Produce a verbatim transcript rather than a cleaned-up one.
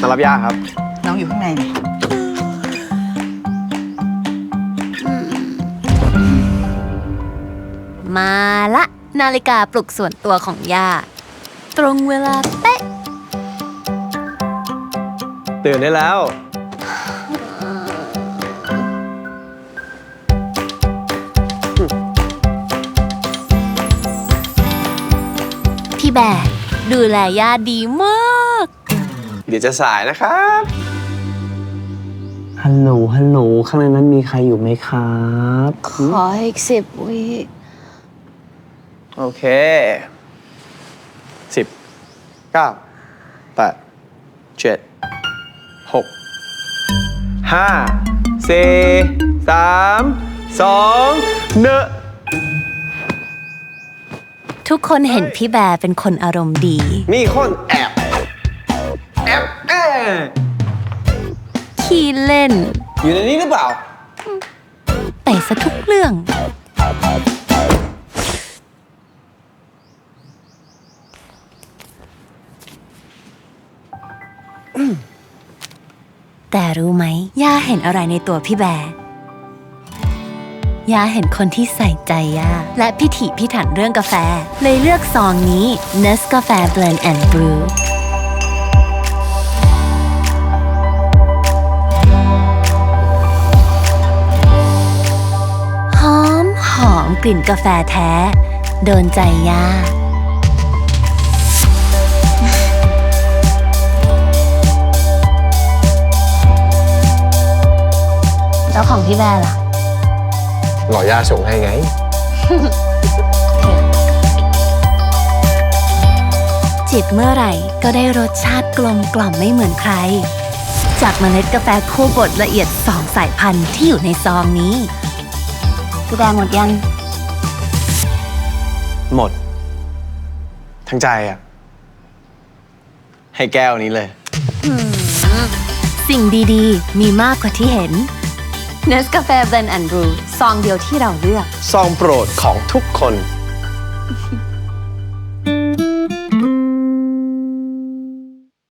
มารับย่าครับน้องอยู่ข้างในนี่มาละนาฬิกาปลุกส่วนตัวของย่าตรงเวลาเป๊ะตื่นได้แล้วพี่แบร์ดูแลย่าดีมากเดี๋ยวจะสายนะครับฮัลโหลฮัลโหลข้างในนั้นมีใครอยู่ไหมครับขออีกสิบวิโอเคสิบเก้าแปดเจ็ดหกห้าสี่สามสองหนึ่งทุกคนเห็นพี่แบร์เป็นคนอารมณ์ดีมีคนแอบแอบแอบขี้เล่นอยู่ในนี้หรือเปล่าแต่ซะทุกเรื่อง แต่รู้ไหมย่าเห็นอะไรในตัวพี่แบร์ย่าเห็นคนที่ใส่ใจย่าและพิถีพิถันเรื่องกาแฟเลยเลือกซองนี้ Nescafe Blend and Brew หอมหอมกลิ่นกาแฟแท้โดนใจย่าแล้วของพี่แบร์ล่ะหล่อย่าส่งให้ไงจิบเมื่อไหร่ก็ได้รสชาติกลมกล่อมไม่เหมือนใคร จากเมล็ดกาแฟคั่วบดละเอียดสองสายพันธุ์ที่อยู่ในซองนี้พี่แบร์หมดยังหมด ทั้งใจอ่ะ ให้แก้วนี้เลยสิ่งดีๆ มีมากกว่าที่เห็น Nescafe Blend and Brew ซองเดียวที่เราเลือกซองโปรดของทุกคน